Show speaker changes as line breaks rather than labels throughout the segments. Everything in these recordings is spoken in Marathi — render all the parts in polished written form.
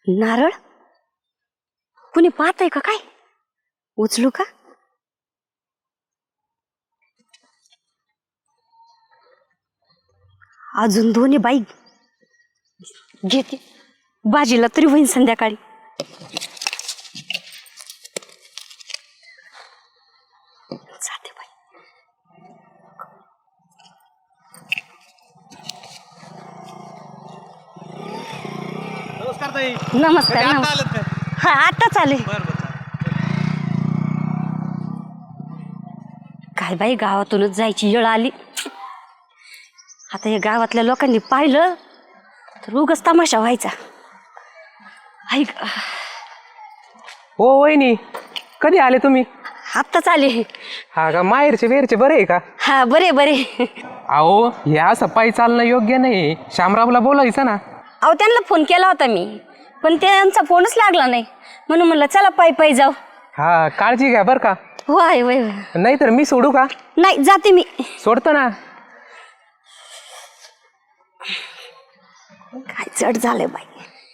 नारळ कुणी पाहतंय का काय? उचलू का? अजून दोन्ही बाई घेते, बाजीला तरी होईन संध्याकाळी. जाते बाई.
नमस्कार ताई.
नमस्कार.
आता
नमस्कार.
आलेत काय?
हा आता चाले. काय बाई गावातूनच जायची वेळ आली. आता या गावातल्या लोकांनी पाहिलं तर उगाच तमाशा व्हायचा. ऐक,
हो वहिनी, कधी आले तुम्ही?
आत्ताच आले.
हा का, माहेरचे वेरचे बरे आहे का?
हा बरे बरे.
अहो हे असं पायी चालणं योग्य नाही. शामरावला बोलायचं ना.
अहो त्यांना फोन केला होता मी, पण त्यांचा फोनच लागला नाही. म्हणून म्हणलं चला पायी पायी जाऊ.
हा काळजी घ्या बरं का.
होय होय.
नाही तर मी सोडू का?
नाही जाते मी.
सोडतो ना.
काय चढ झालंय बाई.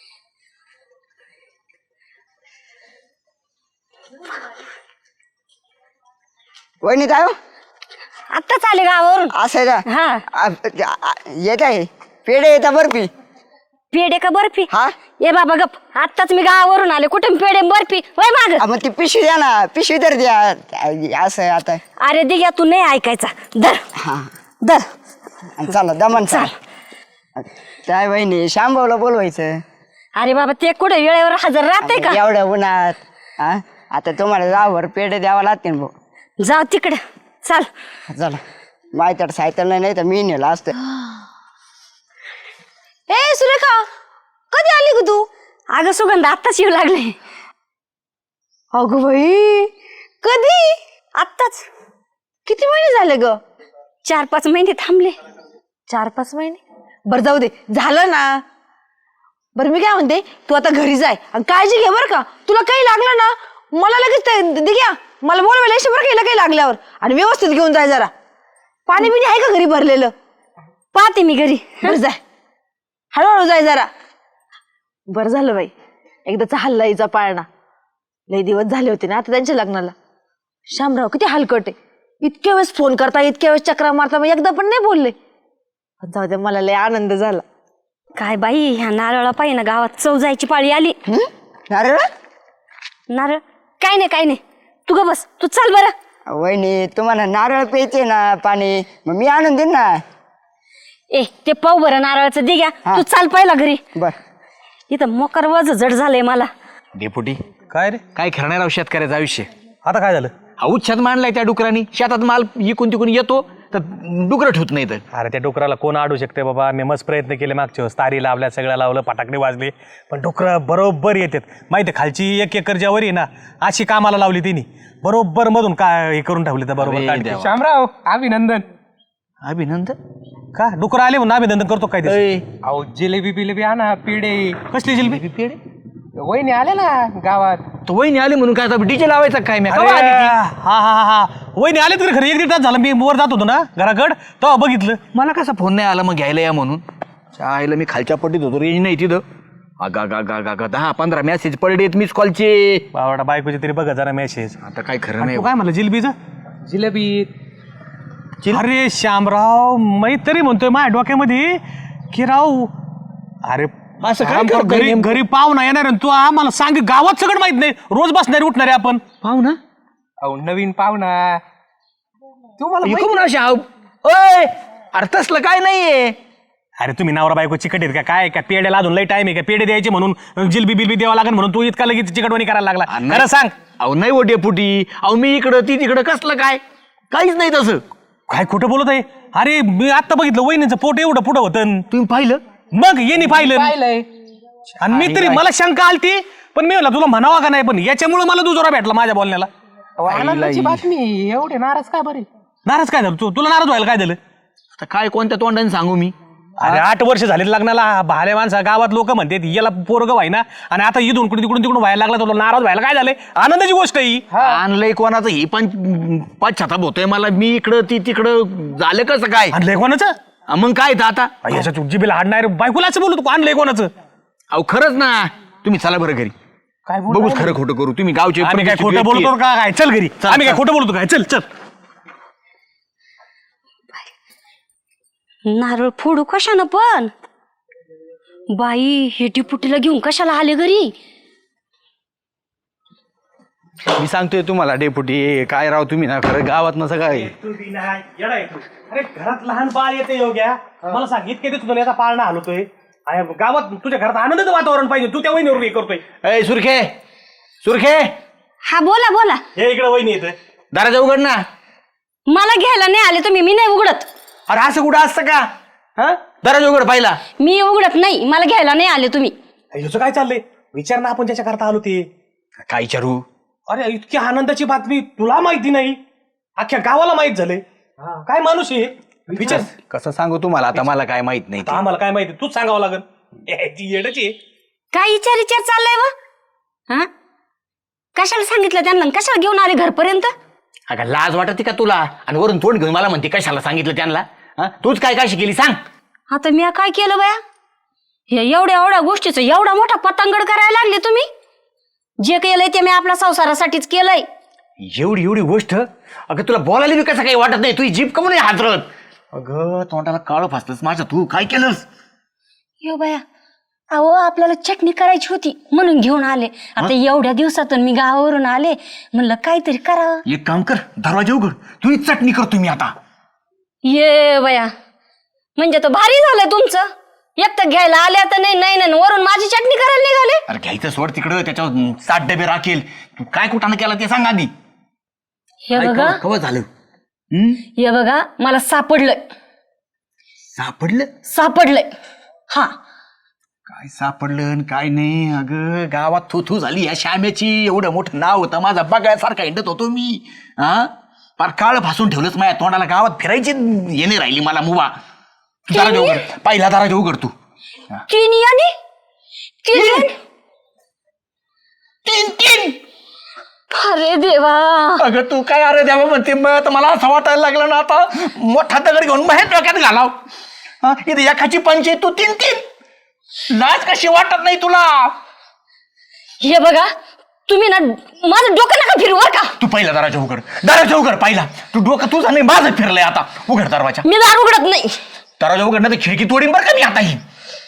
वहिनी काय हो?
आत्ताच आले गावावरून.
असं आहे का?
हा
येत आहे पेढे येता बर्फी.
पेढे का बर्फी?
हा
ये बाबा गप. आत्ताच मी गावावरून आले. कुठे पेढे बर्फी वय माग.
मग ती पिशवी द्या ना, पिशवी तर द्या. असं आहे आता.
अरे दिग्या तू नाही ऐकायचा. दर
हा
दर.
चला दमन चाल. काय वहिनी शांभावला बोलवायचं.
अरे बाबा ते कुठे वेळेवर हजर राहते का?
एवढ्या उन्हात हा आता तुम्हाला जावर पेढे द्यावा लागतील भाऊ.
जाऊ तिकडे चाल.
चला माहिती सायकल नाही तर मी नेला असतं.
ए सुरेखा कधी आली ग तू? अगं सुगंध आत्ताच येऊ लागले.
अगं बाई कधी?
आत्ताच.
किती महिने झाले ग?
4-5 महिने थांबले.
4-5 महिने? बरं जाऊ दे, झालं ना. बरं मी काय म्हणते, तू आता घरी जाय आणि काळजी घे बरं का. तुला काही लागलं ना मला लगेच घ्या, मला बोलवायला येशील बरं का, हिला काही लागल्यावर. आणि व्यवस्थित घेऊन जाय जरा. पाणी बिणी आहे का घरी भरलेलं?
पाहते मी घरी.
बरं जाय, हळूहळू जाय जरा. बरं झालं बाई एकदाचा हल्ला हिचा पाळणा. लई दिवस झाले होते ना आता त्यांच्या लग्नाला. शामराव किती हलकट आहे. इतक्या वेळेस फोन करता, इतक्या वेळेस चक्रा मारता, मग एकदा पण नाही बोलले. पण जाऊ दे, मला लय आनंद झाला.
काय बाई ह्या नारळा पाहिजे ना गावात चव जायची पाळी आली.
अरे
नारळ काय नाही काय नाही. तू ग बस, तू चाल बरं.
वहिनी तुम्हाला नारळ प्यायचे ना पाणी, मग मी आणून देईन ना.
ए ते पाव बरं नारळाचं दे घ्या.
हा.
तू चाल पहिला घरी.
बर
इथं मोकर वज जड झालंय मला.
डेपुटी काय रे?
काय खरणार राव शेतकऱ्याचं आयुष्य.
आता काय झालं?
उच्छाद मांडलाय त्या डुकरांनी. शेतात माल इकून तिकून येतो तर डुकरं ठेवत नाही. तर
अरे त्या डुकराला कोण अडू शकते बाबा. मी मस्त प्रयत्न केले मागच्या वेळेस. तारी लावल्या, सगळं लावलं, फटाकडे वाजले, पण डुकरं बरोबर येतात. माहिती आहे खालची 1 एकर ज्यावर आहे ना अशी कामाला लावली तिने. बरोबर मधून काय हे करून ठेवली तर बरोबर काढते.
देवा.
शामराव अभिनंदन.
अभिनंदन
का डुकर आले म्हणून अभिनंदन करतो काय ते?
अहो जिलेबी बिलेबी आणा, पेढे.
कसली जिलबी?
पेढे
वहिनी आले ना गावात.
तो वहिनी आली म्हणून काय आता डीजे लावायचा काय? मी
अरे, हा हा हा वहिनी आले तरी खरं 1-1.5 तास झालं. मी वर जात होतो ना घराकड तेव्हा बघितलं.
मला कसा फोन नाही आला मग घ्यायला या म्हणून. आईला मी खालच्या पट्टीत होतो, रेंज नाही तिथं. अगा 10-15 मेसेज पडले मिस कॉलचे.
बावडा बायकोचे तरी बघा जरा मेसेज.
आता काय खरं नाही.
तू काय म्हणलं जिलबीचं?
जिलेबी.
अरे श्यामराव मी तरी म्हणतोय माझ्या डोक्यामध्ये की राव अरे
असं काय
काम कर,
करतोय
घरी
नेमकं?
घरी पाहुणा येणार आणि तू आम्हाला सांग. गावात सगळं माहित नाही. रोज बसणारे उठणारे आपण.
पाहू ना
अहो नवीन पाहुणा. तुम्हाला
इकडून अशा ओय अरे तसलं काय नाहीये.
अरे तुम्ही नवरा बायको चिकट आहेत का काय? का पेड्याला अजून लई टाइम आहे का? पेढे द्यायचे म्हणून जिलबी बिलबी द्यावं लागेल म्हणून तू इतका लगेच चिकटवणी करायला लागला. खरं सांग.
अहो नाही ओ डेपुटी. अहो मी इकडं ती तिकडं कसलं काय? काहीच नाही तसं.
काय खोटं बोलत आहे? अरे मी आता बघितलं वहिनीचं पोट एवढं पुढं होतं.
तुम्ही पाहिलं?
मग येणी पाहिलं
पाहिलंय.
आणि मी तरी मला शंका आलती पण मी म्हणलं तुला म्हणावा का नाही. पण याच्यामुळे मला दुजोरा भेटला माझ्या बोलण्याला.
आनंदाची बातमी. एवढे नाराज का बरे?
नाराज काय झालं? तुला नाराज व्हायला काय झालं?
आता काय कोणत्या तोंडाने सांगू मी?
अरे 8 वर्ष झाले लग्नाला. भाले माणसा गावात लोक म्हणतात याला पोरग व्हायना आणि आता इथून तिकडून व्हायला लागला. तुला नाराज व्हायला काय झालंय? आनंदाची गोष्ट आहे ही.
आणलंय कोणाचं ही पण पश्चाताप होतोय मला. मी इकडं ती तिकडं झालं कसं काय?
आणलंय कोणाचं?
मग काय तर आता?
याच्या जिबीला हाडणार बायकोला असं बोलतो आणलंय कोणाचं?
अहो खरंच ना. तुम्ही चला बरं घरी
काय
बघूच खरं खोटं करू तुम्ही गावचे
आम्ही काय
प्रतिष्ठित
खोटं
व्यक्ती
बोलतो का काय चल घरी आम्ही काय
चल.
खोटं बोलतो काय चल चल
नारळ फोडू कशानं पण बाई हे डिपुटीला घेऊन कशाला आले घरी
आहे. मी सांगतोय तुम्हाला डेपुटी काय राव तुम्ही ना खरं गावात नसं काय
अरे घरात लहान बाळ येते योग्या मला सांग इतके दिवस तुला याचा पाळणा हलवतोय गावात तुझ्या घरात आनंदाचं वातावरण पाहिजे तू त्या वहिनीवर हे करतोय
ए सुरखे सुरखे
हा बोला बोला
हे इकडे वहिनी येते
दाराचा उघड ना.
मला घ्यायला नाही आले तुम्ही मी नाही उघडत
अरे असं कुठं असतं का हा दराजा उघड पाहिला.
मी उघडत नाही मला घ्यायला नाही आले तुम्ही
ह्याचं काय चाललंय विचार ना आपण ज्याच्या करता आलो ते
काय विचारू
अरे इतकी आनंदाची बातमी तुला माहिती नाही अख्ख्या गावाला माहित झाले काय माणूस आहे विचार
कसं सांगू तुम्हाला आता मला काय माहित नाही ते.
आता आम्हाला काय माहिती तूच सांगावं लागल ती येडची
काय विचार चाललाय व हा कशाला सांगितलं त्यांना कशाला घेऊन आले घरपर्यंत
अगं लाज वाटते का तुला आणि वरून तोंड घेऊन मला म्हणते कशाला सांगितलं त्यांना हा? तूच काय काशी केली सांग.
आता मी काय केलं बया हे एवढ्या गोष्टीचं एवढा मोठा पतंगड करायला लागले तुम्ही जे केलंय ते मी आपल्या संसारासाठीच केलंय
एवढी एवढी गोष्ट अगं तुला बोलायला बी कसं काही वाटत नाही तुझी जीभ कमून हातरत अगं तोंडाला काळं फासलंस माझ्या तू काय केलंस.
यो बया अहो आपल्याला चटणी करायची होती म्हणून घेऊन आले आता एवढ्या दिवसातून मी गावावरून आले म्हणलं काहीतरी करावं.
एक काम कर दरवाजा उघड तू चटणी करतो मी आता.
ये बया म्हणजे तो भारी झालंय तुमचं एक तर घ्यायला आल्या तर नाही वरून माझी चटणी करायला निघाले.
अरे घ्यायचं सोड तिकडं त्याच्यावर 60 डबे राखेल तू काय कुठानं केला ते सांग आधी.
हे बघा
कवा झालं
हे बघा मला सापडलंय
सापडलं
हा
काय सापडलं आणि काय नाही. अगं गावात थू झाली या श्यामेची एवढं मोठं नाव होतं माझा बघायसारखा हिंडत होतो मी हा पार काळ भासून ठेवलंच माझ्या तोंडाला गावात फिरायची येणे राहिली मला मुवा. दराजा उघड पहिला दराजा उघड तू. तीन
अरे देवा
अगं तू काय अरे देवा म्हणते मग मला असं वाटायला लागलं ना आता मोठा दगड घेऊन बाहेर डोक्यात घालाव. इथे एकाची पंचायत तू तीन लाज कशी वाटत नाही तुला.
हे बघा तुम्ही ना माझं डोकं नका फिरवू बरं का.
तू पहिला दराजा उघड पहिला तू डोकं तुझं नाही माझं फिरलंय आता. उघड दरवाजा
मी दार उघडत नाही.
दरवाजा उघड नाही तर खिडकी तोडीन बरं का मी आता ही.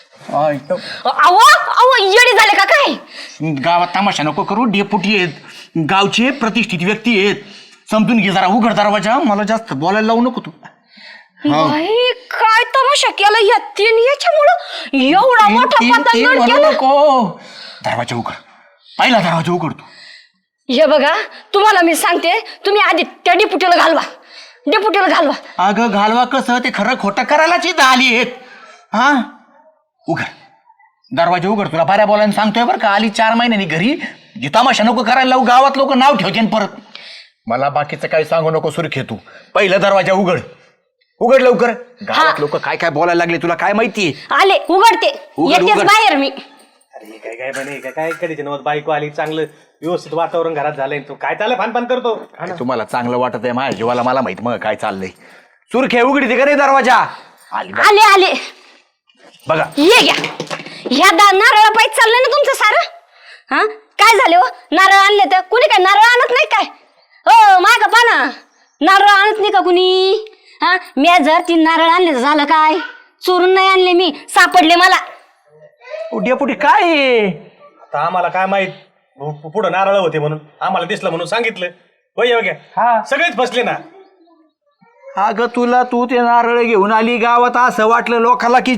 अहो येडी झाले का काय.
गावात तमाशा नको करू डेपुटी आहेत गावचे प्रतिष्ठित व्यक्ती आहेत समजून घे जरा. उघड दरवाजा मला जास्त बोलायला लावू नको तू.
बाई काय तमाशा केला या तीन याच्यामुळं एवढा मोठा पतंग
म्हणू
केला.
नको. दरवाजा उघड पहिला दरवाजा उघड तू.
हे बघा तुम्हाला मी सांगते तुम्ही आधी त्या डिपुटीला घालवा.
अगं घालवा कसं ते खरं खोटं करायलाच इथं आली आहेत. हा उघड दरवाजा उघड तुला बऱ्या बोलायला सांगतोय बरं का. आली 4 महिन्यांनी घरी जी तमाशा नको करायला लावू गावात लोक नाव ठेवते परत. मला बाकीचं काही सांगू नको सुरखे तू. पहिला दरवाजा उघड लवकर. गावात लोक काय काय बोलायला लागले तुला काय माहितीये.
आले उघडते येतेच बाहेर मी.
अरे काय बने काय कधीच नव्हत बायको आली चांगलं व्यवस्थित वातावरण घरात झालंय तू काय चाललं फान करतो.
तुम्हाला चांगलं वाटत आहे माझ्या जीवाला मला माहित मग काय चाललंय. सुरखे उघडी ते का नाही दरवाजा.
आले
बघा
ये घ्या ह्या नारळा पाहिजे चाललंय ना तुमचं सारं. हा काय झाले हो नारळ आणले तर कुणी काय नारळ आणत नाही काय. हो माय का पाना नारळ आणत नाही का कुणी. हा मी जर 3 नारळ आणले तर झालं काय. चोरून नाही आणले मी सापडले मला.
डेपुटी काय आहे?
आता आम्हाला काय माहित पुढं नारळ होते म्हणून आम्हाला दिसलं म्हणून सांगितलं वय सगळेच फसले ना.
अगं तू ते नारळ घेऊन आली गावात असं वाटलं लोकांना की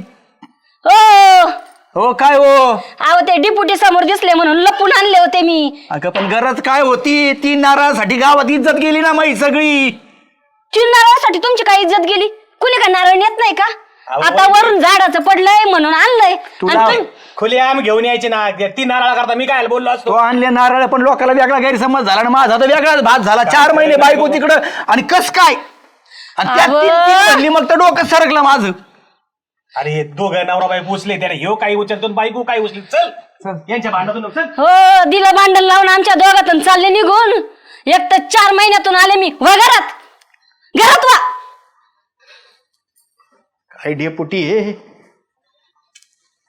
हो काय हो.
अहो ते डिपुटी समोर दिसले म्हणून लपून आणले होते मी.
अगं पण गरज काय होती. 3 नारळासाठी गावात इज्जत गेली ना माही सगळी.
3 नारळासाठी तुमची काय इज्जत गेली. कुणी काय नारळ नेत नाही का. आता वरून झाडाचं पडलंय म्हणून आणलंय.
खुले आम्ही घेऊन यायचे ना 3 नारळा करता मी काय बोललो असतो.
आणले नारळ पण लोकांना वेगळा गैरसमज झाला ना माझा तर वेगळाच भात झाला. 4 महिने बायको तिकडं आणि कस काय आणि त्यात 3 म्हणली मग तर डोकं सरकलं माझं.
अरे हे दोघं नवरा बाई पोचले त्याने ह्यो काही उचलतो बायको काही उचली. चल यांच्या भांडणातून चल.
हो दिलं भांडण लावून आमच्या दोघातून चालले निघून. एक तर 4 महिन्यातून आले मी घरात वा.
काय डेपुटी